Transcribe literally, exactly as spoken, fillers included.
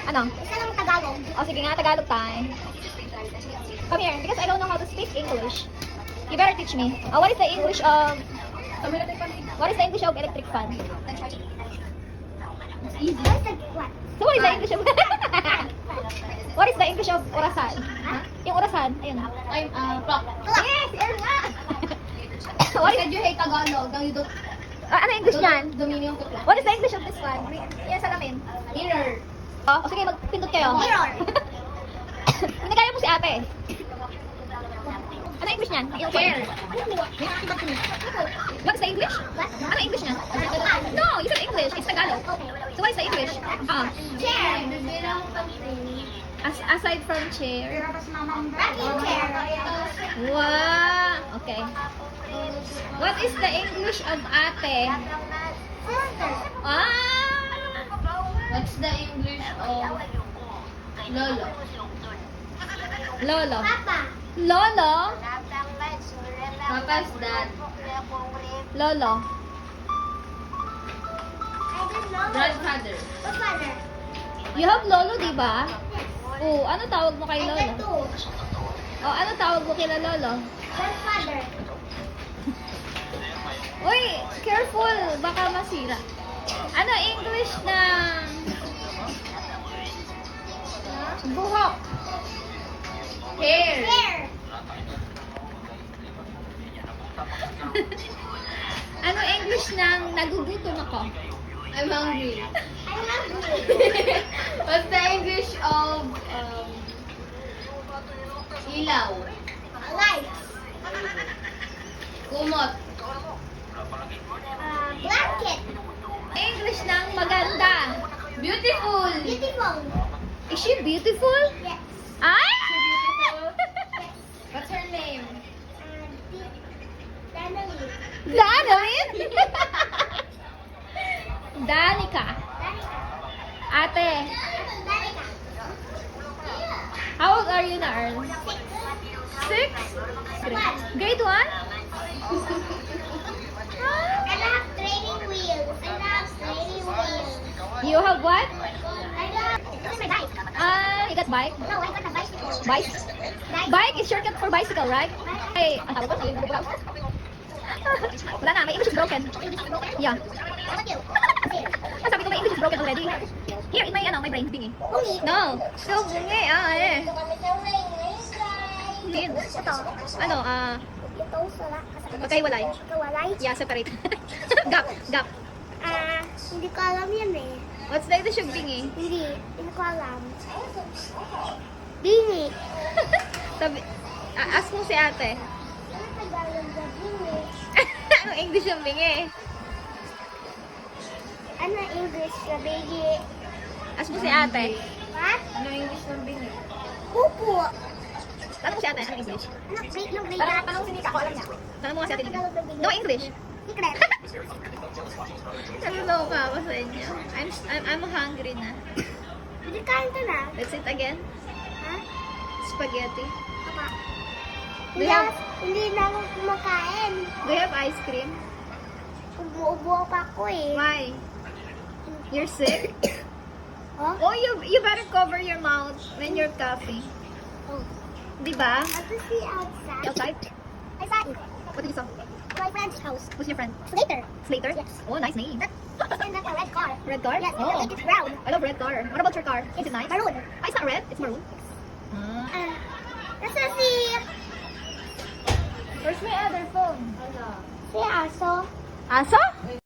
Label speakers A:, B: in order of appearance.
A: Ano?
B: Isa lang Tagalog.
A: O sige nga, Tagalog tayo. Come here, because I don't know how to speak English. You better teach me. Uh, what is the English of... What is the English of electric fan?
B: Easy. What's the what?
A: So what is the English of... What is the English of orasan?
B: Huh?
A: Yung orasan, ayun.
B: I'm uh clock.
A: Yes, yun nga.
B: What is you hate Tagalog? Now you don't
A: Ah, ano English niyan?
B: dominion ko
A: What is the English of this one? Yan salamin.
B: Mirror.
A: Oh, o sige, magpindot kayo.
B: Mirror.
A: Hindi kaya mo si ate. Ano English niyan? Yung
B: Chair.
A: What is the English? Ano English niyan? No, you said English. It's Tagalog. So what is the English? Ah,
B: Chair.
A: as aside from chair.
B: Rocking chair.
A: Wow. Okay. What is the English of ate?
B: Sister.
A: Ah.
B: What's the English of Lolo?
A: Lolo.
B: Papa.
A: Lolo.
B: Papa's dad.
A: Lolo.
B: I don't know.
C: Grandfather.
B: Godfather.
A: You have lolo, di ba? Oh, ano tawag mo kay
B: I
A: lolo?
B: got two.
A: Oh, ano tawag mo kila lolo?
B: Godfather.
A: Uy, careful, baka masira. Ano English ng buhok?
C: Hair.
B: Hair.
A: Ano English ng nagugutom ako?
C: I'm hungry.
B: I'm hungry.
C: What's the English of um, ilaw?
B: Lights.
C: Kumot.
B: Uh, blanket.
A: English ng maganda.
C: Beautiful.
B: Beautiful.
A: Is she beautiful?
B: Yes.
A: Ay!
C: What's her name?
B: Uh, di- Danalie.
A: Danalyn? Danica.
B: Danica.
A: Ate,
B: Danica.
A: how old are you na, Earl? Six?
B: One.
A: Grade one?
B: And I have training wheels. And I have training wheels.
A: You have what?
B: I have. This is my bike.
A: Ah, you got bike?
B: No, I got a bicycle.
A: Bike?
B: Bike.
A: Bike is shortcut for bicycle, right? Ay, ang tawag ko, wala na, my English is broken. Yeah.
B: How about you? Here.
A: Ah, sabi ko, my English is broken already. Here, in my, ano, my brain, bingi.
B: Bungi.
A: No, still bungi, ah, eh. Hindi.
B: Ito.
A: Ano, ah,
B: Ito, sala.
A: magkahiwalay.
B: Kawalay.
A: Yeah, separate. Gap, gap.
B: Ah, hindi ko alam yan eh.
A: What's the English of bingi?
B: Hindi. Hindi ko alam. Bingi.
A: Sabi, ah, ask mo si ate.
B: Ano Tagalog na bingi?
A: Anong English ng bingi?
B: Ano English na bingi?
A: Ask mo si ate.
B: What?
C: Ano English ng bingi?
B: Pupo.
A: Tanong mo si ate, anong English?
B: Ano break ng
A: Parang
B: bingi?
A: tanong si Nika, ako alam niya. Tanong mo nga si ate.
B: Tagalog ng bingi.
A: No English.
B: Secret.
A: Naloloka ako sa inyo. I'm, I'm, I'm hungry na.
B: Hindi kain ka na.
A: Let's eat again.
B: Ha?
A: Spaghetti.
B: Papa.
A: Do
B: Hindi,
A: you have-
B: hindi na ako kumakain.
A: Do you have ice cream?
B: Ubo-ubo pa ako eh.
A: Why? You're sick?
B: Oh?
A: Oh, you you better cover your mouth when you're coughing.
B: Oh.
A: Di ba?
B: I to see outside.
A: Outside?
B: I saw it.
A: What did you saw?
B: My friend's house.
A: Who's your friend?
B: Later.
A: Slater?
B: Yes.
A: Oh, nice name.
B: And that's a red car.
A: Red car?
B: Yes,
A: Oh.
B: I think it's brown.
A: I love red car. What about your car? Is it nice?
B: Maroon.
A: Ah, it's not red. It's maroon. Ah.
B: Uh, let's see.
A: Where's my other phone?
B: Si Aso.
A: Aso?